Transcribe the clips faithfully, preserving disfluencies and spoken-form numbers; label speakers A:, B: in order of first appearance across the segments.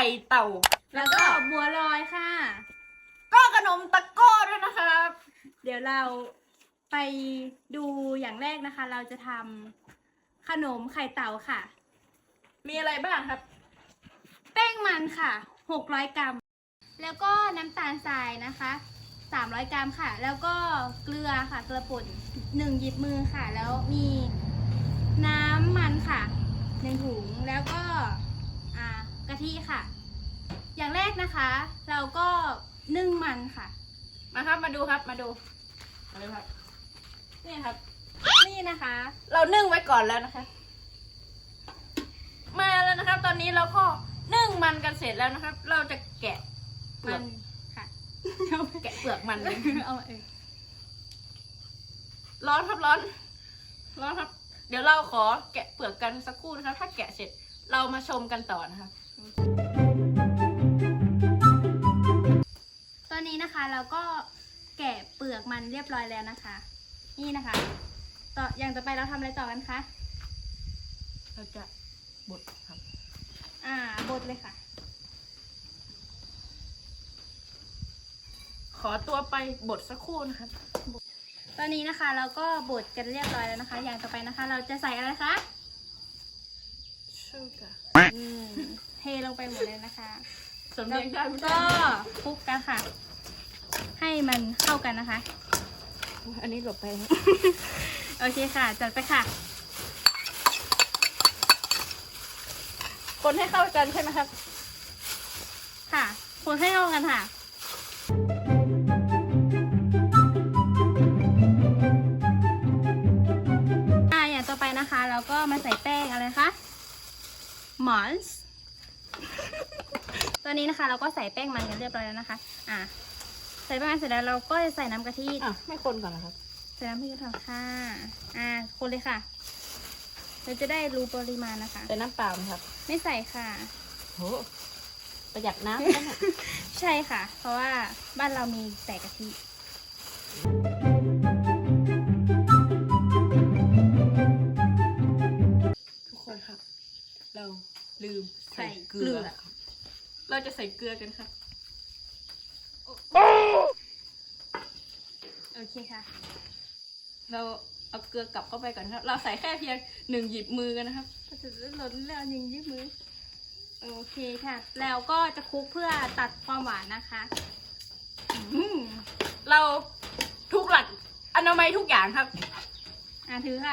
A: เต่า
B: แล้วก็บัวลอยค่ะ
A: ก็ขนมตะโก้ด้วยนะครับ
B: เดี๋ยวเราไปดูอย่างแรกนะคะ เราจะทำขนมไข่เต่าค่ะ
A: มีอะไรบ้างครับ
B: แป้งมันค่ะหกร้อยกรัมแล้วก็น้ำตาลทรายนะคะสามร้อยกรัมค่ะแล้วก็เกลือค่ะเกลือป่นหนึ่งหยิบมือค่ะแล้วมีน้ำมันค่ะหนึ่งถุงแล้วก็อ่ากะทิค่ะอย่างแรกนะคะเราก็นึ่งมันค่ะ
A: มาครับมาดูครับมาดูมาดูครับนี่ครับ
B: นี่นะคะ
A: เรานึ่งไว้ก่อนแล้วนะคะ มาแล้วนะครับ ตอนนี้เราก็นึ่งมันกันเสร็จแล้วนะครับ เราจะแกะเปลื
B: มั
A: อก
B: นค่ะ
A: แกะเปลือกมันเลย
B: เอาเอง
A: ร้อนครับร้อน ร้อนครับ เดี๋ยวเราขอแกะเปลือกกันสักครู่นะครับ ถ้าแกะเสร็จเรามาชมกันต่อนะครับ
B: ตอนนี้นะคะเราก็แกะเปลือกมันเรียบร้อยแล้วนะคะ นี่นะคะ ต่ออย่างต่อไปเราทำอะไรต่อกันคะ
A: เราจะบดครับ
B: อ่าบดเลยค่ะ
A: ขอตัวไปบดสักครู่นะครับ
B: ตอนนี้นะคะเราก็บดกันเรียบร้อยแล้วนะคะ อย่างต่อไปนะคะ เราจะใส่อะไรคะ
A: ชูการ์
B: อืมเทลงไปหมดเลยนะคะ
A: สำเนียงได้ไหม
B: ก็คลุกกันค่ะ ให้มันเข้ากันนะคะ
A: อันนี้หลบไป
B: โอเคค่ะ จัดไปค่ะ
A: คนให้เข้ากันใช่ไหมครับ
B: ค่ะคนให้เข้ากันค่ะอ่าอย่างต่อไปนะคะเราก็มาใส่แป้งอะไรคะหมอนส์ตอนนี้นะคะเราก็ใส่แป้งมันกันเรียบร้อยแล้วนะคะ อ่าใส่แป้งมันเสร็จแล้วเราก็จะใส่น้ำกะทิ
A: อ่ะไม่คนก่อนนะครับ
B: ใส่น้ำพริกกระเทียมค่ะอ่าคนเลยค่ะเราจะได้รู้ปริมาณนะคะ
A: แต่น้ำเปล่าไหมครับ
B: ไม่ใส่ค่ะ
A: โหประหยัดน้ำนะเนี่ย
B: ใช่ค่ะ เพราะว่าบ้านเรามีแต่กะทิ
A: ทุกคนครับ เราลืม
B: ใส่
A: ใส่
B: เก
A: เก
B: ลื
A: ลื
B: อ
A: อครับเราจะใส่เกลือกันครับ
B: โอเคค่ะ
A: เราเอาเกลือกลับเข้าไปก่อนครับ เราใส่แค่เพียงหนึ่งหยิบมือกันนะครับ
B: ก็จะหล่นแล้วยิงยืดมือ โอเคค่ะ แล้วก็จะคลุกเพื่อตัดความหวานนะคะอืม
A: เราทุกหลักอนามัยทุกอย่างครับ
B: อ่ะถือค่ะ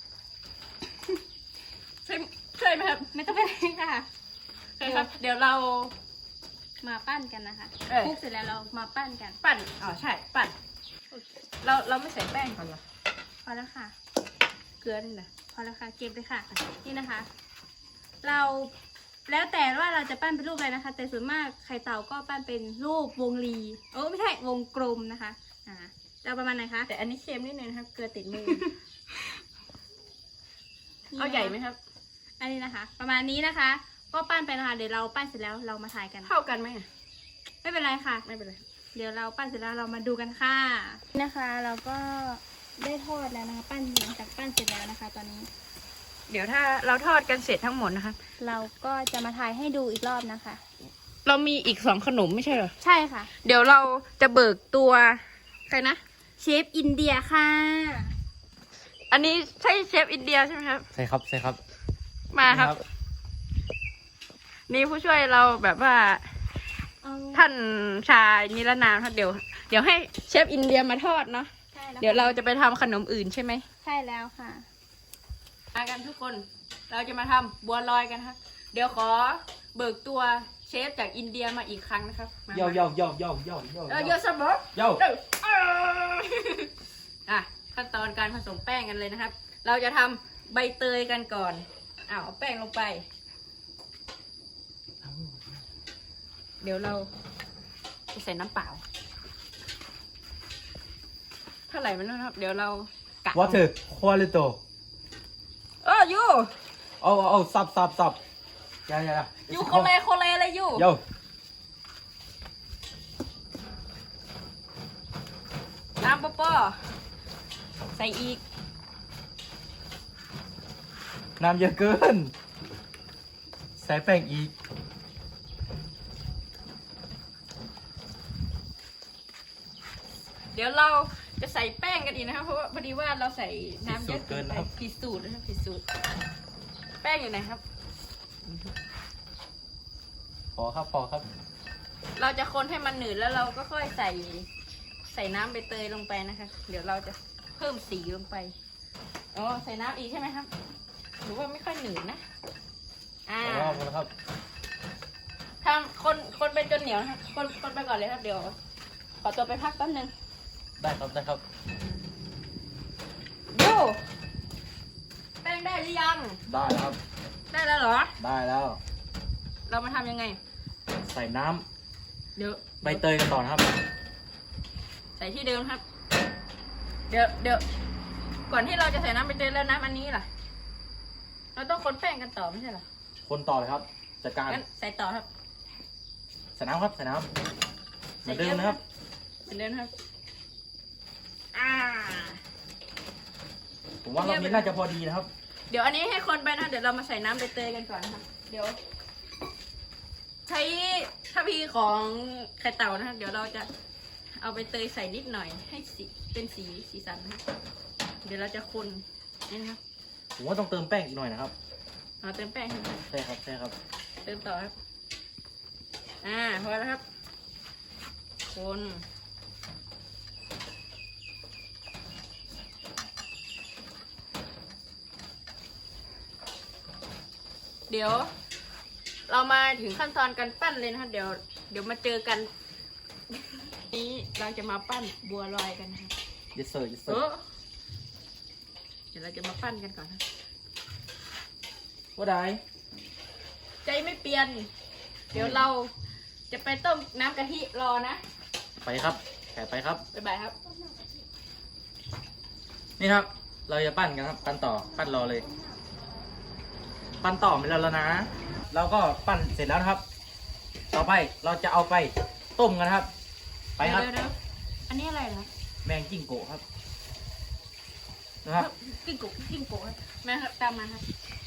A: ใช่ใช่ไหมครับ
B: ไม่ต้องไปเลยค่ะ
A: ใช่ครับ เดี๋ยวเรา
B: มาปั้นกันนะคะ
A: เออ
B: คลุกเสร็จแล้วเรามาปั้นกัน
A: ปั่นอ๋อใช่ปั่นเราเราไม่ใส่แป้งก่อนเหรอ
B: พอแล้วค่ะ
A: เกลือนี่นะ
B: พอแล้วค่ะ เก็บเลยค่ะ นี่นะคะ เราแล้วแต่ว่าเราจะปั้นเป็นรูปอะไรนะคะ แต่ส่วนมากไข่เต่าก็ปั้นเป็นรูปวงรีโอ้ไม่ใช่วงกลมนะคะ อ่าจะเอาประมาณไหนคะ
A: แต่อันนี้เค็มนิดนึงนะครับ เกลือติดมือ เอาใหญ่ไหมครับ
B: อันนี้นะคะ ประมาณนี้นะคะ ก็ปั้นไปนะคะ เดี๋ยวเราปั้นเสร็จแล้วเรามาถ่ายกัน
A: เท่ากันไหมอะ
B: ไม่เป็นไรค่ะ
A: ไม่เป็นไร
B: เดี๋ยวเราปั้นเสร็จแล้วเรามาดูกันค่ะนี่นะคะ เราก็ได้ทอดแล้วนะคะ ปั้นหลังจากปั้นเสร็จแล้วนะคะ ตอนนี้
A: เดี๋ยวถ้าเราทอดกันเสร็จทั้งหมดนะคะ
B: เราก็จะมาถ่ายให้ดูอีกรอบนะคะ
A: เรามีอีกสองขนมไม่ใช่เหรอ
B: ใช่ค่ะ
A: เดี๋ยวเราจะเบิกตัวใครนะ
B: เชฟอินเดียค่ะ
A: อันนี้ใช่เชฟอินเดียใช่ไหมครับ
C: ใช่ครับใช่ครับ
A: มาครับ นี่ผู้ช่วยเราแบบว่า
B: เอา
A: ท่านชายนิรนามครับเดี๋ยว เดี๋ยวให้เชฟอินเดียมาทอดเนาะ
B: ใช่แล้ว
A: เดี๋ยวเราจะไปทำขนมอื่นใช่ไหม
B: ใช่แล้วค่ะ
A: มากันทุกคน เราจะมาทำบัวลอยกันครับ เดี๋ยวขอเบิกตัวเชฟจากอินเดียมาอีกครั้งนะครับมา
C: โย่โย่โย่โย่โย่โย่
A: เออเยอะสมบูรณ์
C: โย่
A: เออเอออ่ะขั้นตอนการผสมแป้งกันเลยนะครับ เราจะทำใบเตยกันก่อนอ้าวเอาแป้งลงไป เดี๋ยวเราจะใส่น้ำเปล่าเท่าไหร่มันนะครับ เดี๋ยวเรากะ
C: วอเตอร์ควอลิโต
A: เออยู
C: เอาเอาสับสับสับยายา
A: ยูโคเลโคเลอะไรยู
C: โย่
A: น้ำปอปอใส่อีก
C: น้ำเยอะเกิน ใส่แป้งอีก
A: เดี๋ยวเราจะใส่แป้งกันอีกนะครับเพราะว่าพอดีว่าเราใส่น้ำเยอะเกินไปผิดสูตรนะครับผิดสูตรแป้งอยู่ไหนครับ
C: พอครับพอครับ
A: เราจะคนให้มันหนืดแล้วเราก็ค่อยใส่ใส่น้ำใบเตยลงไปนะคะ เดี๋ยวเราจะเพิ่มสีลงไปอ๋อใส่น้ำอีกใช่ไหมครับหรือว่าไม่ค่อยหนืดนะอ่า
C: พอแล้วพอแล้วครับ
A: ทำคนคนไปจนเหนียวนะครับคนคนไปก่อนเลยครับเดี๋ยวขอตัวไปพักแป๊บนึง
C: ได้ครับได้ครับ
A: โยแป้งได้หรือยัง
C: ได้แล้วครับ
A: ได้แล้วเหรอ
C: ได้แล้ว
A: เรามาทำยังไง
C: ใส่น้ำ
A: เดี๋ยว
C: ใบเตยกันต่อนะครับ
A: ใส่ที่เดิมครับ เดี๋ยวเดี๋ยวก่อนที่เราจะใส่น้ำใบเตยแล้วน้ำอันนี้ล่ะ เราต้องคนแป้งกันต่อไม่ใช่เหรอ
C: คนต่อเลยครับจัดการ
A: งั้นใส่ต่อครับ
C: ใส่น้ำครับใส่น้ำเหมือนเดิมนะครับ
A: เหมือนเดิมครับอ่า
C: ผมว่ารอบนี้น่าจะพอดีนะครับ
A: เดี๋ยวอันนี้ให้คนไปนะเดี๋ยวเรามาใส่น้ำใบเตยกันก่อนนะครับเดี๋ยว ใช้ทัพพีของไข่เต่านะครับเดี๋ยวเราจะเอาใบเตยใส่นิดหน่อยให้สีเป็นสีสีสันนะครับเดี๋ยวเราจะคนนี่นะครับ
C: ผมว่าต้องเติมแป้งอีกหน่อยนะครับ
A: เอาเติมแป้งให้หน่อย
C: ใช่ครับใช่ครับ
A: เติมต่อครับอ่าพอแล้วครับคนเดี๋ยว เรามาถึงขั้นตอนการปั้นเลยนะครับเดี๋ยวเดี๋ยวมาเจอกัน นี้เราจะมาปั้นบัวลอยกันนะครับ
C: yes sir yes
A: เอ
C: sir
A: อเดี๋ยวเราจะมาปั้นกันก่อนนะ
C: ว่าได้
A: ใจไม่เปลี่ยน เดี๋ยวเราจะไปต้มน้ำกะทิรอนะ
C: ไปครับแขกไปครับ
A: บ๊ายบายครับ
C: นี่ครับ เราจะปั้นกันครับ ปั้นต่อ ปั้นรอเลย ปั้นต่อไปแล้วแล้วนะ เราก็ปั้นเสร็จแล้วนะครับ ต่อไปเราจะเอาไปต้มกันนะครับ ไปครับ
A: เดี๋ยวเดี๋ยวอันนี้อะไรนะ
C: แมงจิ้งโกะครับ นะครับ
A: กิ้งกุกิ้งกุครับแม่ครับตามมาครับ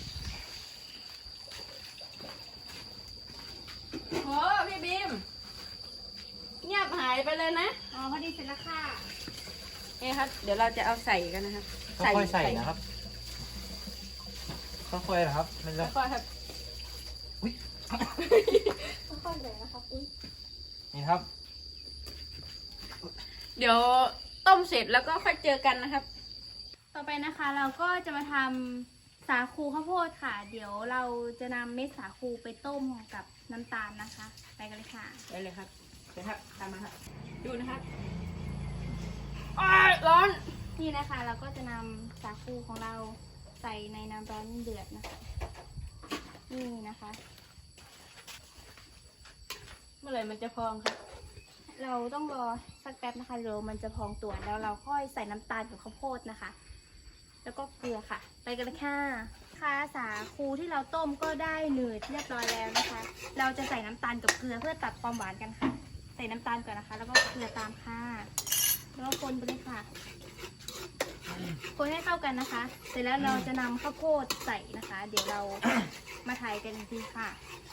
A: โอ้พี่บีมเงียบหายไปเลยนะ
B: อ๋อพอดีเสร็จแล้วค่ะ
A: นี่ครับ เดี๋ยวเราจะเอาใส่กันนะครับ
C: ค่อยๆใส่นะครับ ค่อยๆนะครับไม่
A: แล้
C: ใช่
A: วก็ครับ
C: อุ๊ย
B: ค่อยๆเลยนะครับอุ้ย
C: นี่ครับ
A: เดี๋ยวต้มเสร็จแล้วก็ค่อยเจอกันนะครับ
B: ต่อไปนะคะเราก็จะมาทำสาคูข้าวโพดค่ะ เดี๋ยวเราจะนำเม็ดสาคูไปต้มกับน้ำตาลนะคะ ไปกันเลยค่ะ
A: ไปเลยครับเดี๋ยวครับตามมาครับ ดูนะครับอ้ายร้อน
B: นี่นะคะเราก็จะนำสาคูของเราใส่ในน้ำร้อนเดือดนะคะ นี่นะคะ
A: เมื่อไหร่มันจะพองครับ
B: เราต้องรอสักแป๊บนะคะเดี๋ยวมันจะพองตัวแล้วเราค่อยใส่น้ำตาลกับข้าวโพดนะคะ แล้วก็เกลือค่ะ ไปกันเลยค่ะค่ะสาคูที่เราต้มก็ได้หนืดเรียบร้อยแล้วนะคะ เราจะใส่น้ำตาลกับเกลือเพื่อตัดความหวานกันค่ะ ใส่น้ำตาลก่อนนะคะ แล้วก็เกลือตามค่ะแล้วก็คนไปเลยค่ะ คนให้เข้ากันนะคะ เสร็จแล้วเราจะนำข้าวโพดใส่นะคะ เดี๋ยวเรา มาถ่ายกันอีกทีค่ะ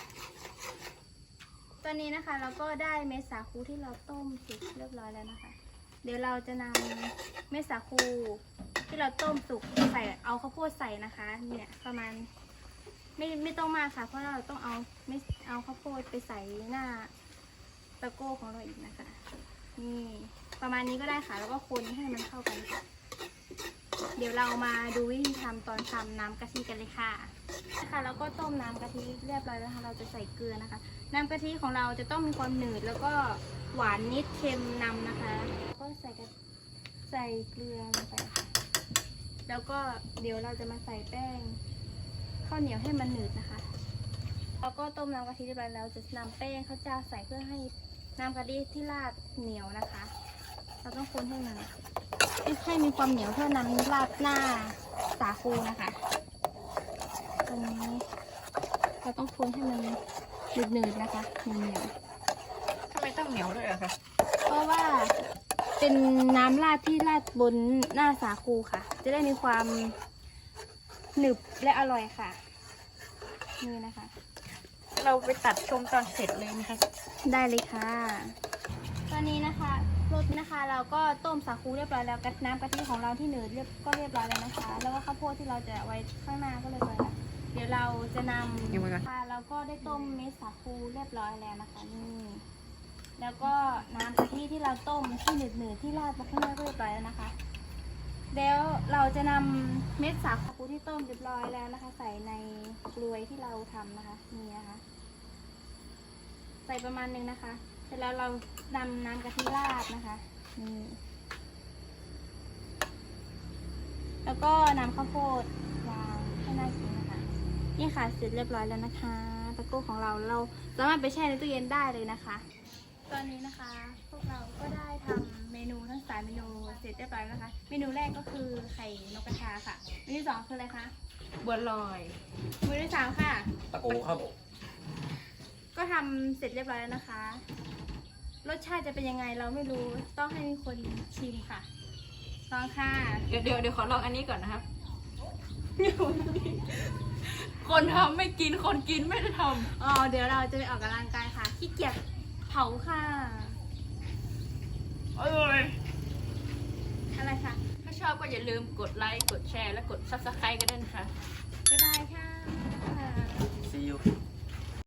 B: ตอนนี้นะคะเราก็ได้เม็ดสาคูที่เราต้มสุกเรียบร้อยแล้วนะคะ เดี๋ยวเราจะนำเม็ดสาคูที่เราต้มสุกใส่เอาข้าวโพดใส่นะคะ เนี่ยประมาณไม่ไม่ต้องมากค่ะ เพราะเราต้องเอาไม่เอาข้าวโพดไปใส่หน้าตะโก้ของเราอีกนะคะ นี่ประมาณนี้ก็ได้ค่ะ แล้วก็คนให้มันเข้ากันค่ะ เดี๋ยวเรามาดูวิธีทำตอนทำน้ำกะทิกันเลยค่ะค่ะแล้วก็ต้มน้ำกะทิเรียบร้อยแล้วค่ะเราจะใส่เกลือนะคะ น้ำกะทิของเราจะต้องมีความหนืดแล้วก็หวานนิดเค็มนำนะคะก็ใส่กะใส่เกลือลงไปค่ะแล้วก็เดี๋ยวเราจะมาใส่แป้งข้าวเหนียวให้มันหนืดนะคะแล้วก็ต้มน้ำกะทิเรียบร้อยแล้วจะนำแป้งข้าวเจ้าใส่เพื่อให้น้ำกะทิที่ราดเหนียวนะคะ เราต้องคนให้มันให้มีความเหนียวเพื่อนำราดหน้าสาคูนะคะตรงนี้เราต้องคนให้มันหนืดๆนะคะเหนียว
A: ทำไมต้องเหนียวด้วยอะคะ
B: ๆเพราะว่าเป็นน้ำราดที่ราดบนหน้าสาคูค่ะ จะได้มีความหนึบและอร่อยค่ะนี่นะคะ
A: เราไปตัดชมตอนเสร็จเลยนะคะ
B: ได้เลยค่ะ ตอนนี้นะคะรสนะคะ เราก็ต้มสาคูเรียบร้อยแล้วกับน้ำกะทิของเราที่หนืดเรียบก็เรียบร้อยแล้วนะคะ แล้วก็ข้าวโพดที่เราจะไว้ข้างหน้าก็เรียบร้อยแล้วเดี๋ยวเราจะนำค่ะเราก็ได้ต้มเม็ดสาคูเรียบร้อยแล้วนะคะนี่แล้วก็น้ำกะทิที่เราต้มที่หนืดๆที่ราดไปข้างหน้าก็เรียบร้อยแล้วนะคะแล้วเราจะนำเม็ดสาคูที่ต้มเรียบร้อยแล้วนะคะ ใส่ในกลวยที่เราทำนะคะนี่นะคะใส่ประมาณนึงนะคะเสร็จแล้วเรานำน้ำกะทิราดนะคะนี่แล้วก็นำข้าวโพดวางให้น่ากินนะคะนี่ค่ะเสร็จเรียบร้อยแล้วนะคะตะโก้ของเราเราสามารถไปแช่ในตู้เย็นได้เลยนะคะ ตอนนี้นะคะพวกเราก็ได้ทำเมนูทั้งสามเมนูเสร็จเรียบร้อยแล้วนะคะ เมนูแรกก็คือไข่นกกระทาค่ะเมนูที่สองคืออะไรคะ
A: บัวลอย
B: เมนูที่สามค่ะ
C: ตะโกครับ
B: ก็ทำเสร็จเรียบร้อยแล้วนะคะ รสชาติจะเป็นยังไงเราไม่รู้ต้องให้คนชิมค่ะลองค่ะ
A: เดี๋ยวเดี๋ยวเดี๋ยวขอลองอันนี้ก่อนนะครับ คนทำไม่กินคนกินไม่ได้ท
B: อ๋อเดี๋ยวเราจะไปออกกำลังกายค่ะขี้เกียจเผาค่ะ
A: ำเอ้ย
B: อะไรค่ะ
A: ถ้าชอบก็อย่าลืมกดไลค์กดแชร์และกดซับสไครต์กันด้วยนะคะ
B: บ๊ายบายค่ะ
C: see you